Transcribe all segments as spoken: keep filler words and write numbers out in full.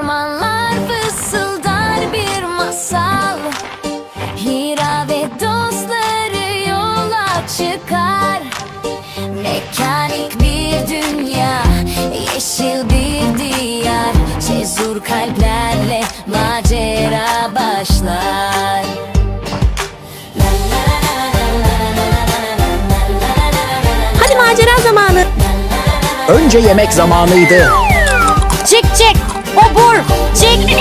Ormanlar fısıldar bir masal. Hira ve dostları yola çıkar. Mekanik bir dünya, yeşil bir diyar. Cesur kalplerle macera başlar. Hadi macera zamanı. Önce yemek zamanıydı. Çık çık. Obur. Çık.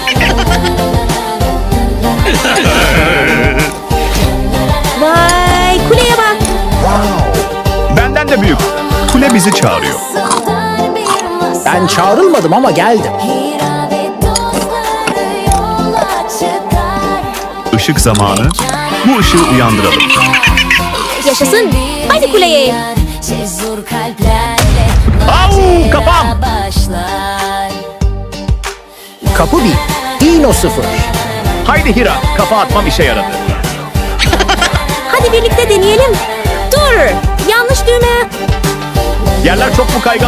Vay kuleye bak. Benden de büyük. Kule bizi çağırıyor. Fısıldar bir masal. Ben çağrılmadım ama geldim. Hira ve dostları yola çıkar. Işık zamanı. Bu ışığı uyandıralım. Yaşasın. Hadi kuleye. Cesur kalplerle Au, kafam. macera başlar. Kapı bir. Dino sıfır. Haydi Hira, kafa atmam işe yaradı. Hadi birlikte deneyelim. Dur. Yanlış düğme. Yerler çok mu kaygan?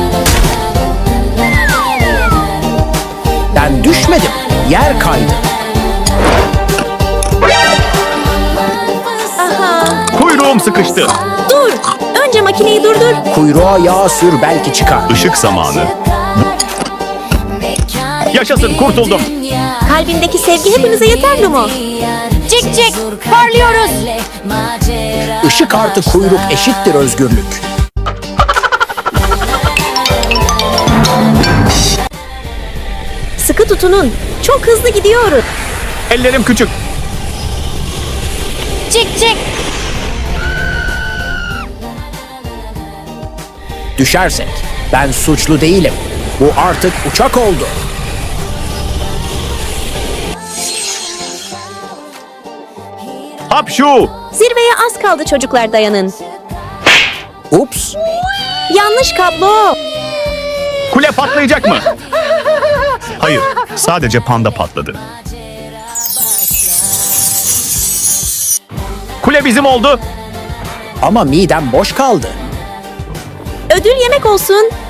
Ben düşmedim. Yer kaydı. Aha. Kuyruğum sıkıştı. Dur. Önce makineyi durdur. Kuyruğa yağ sür belki çıkar. Işık zamanı. Yaşasın, kurtuldum. Kalbindeki sevgi hepimize yeter Lumo. Cik cik. Parlıyoruz. Işık artı kuyruk eşittir özgürlük. Sıkı tutunun. Çok hızlı gidiyoruz. Ellerim küçük. Cik cik. Düşersek ben suçlu değilim. Bu artık uçak oldu. Hapşu! Zirveye az kaldı çocuklar dayanın. Ups. Yanlış kablo. Kule patlayacak mı? Hayır, sadece panda patladı. Kule bizim oldu. Ama midem boş kaldı. Ödül yemek olsun.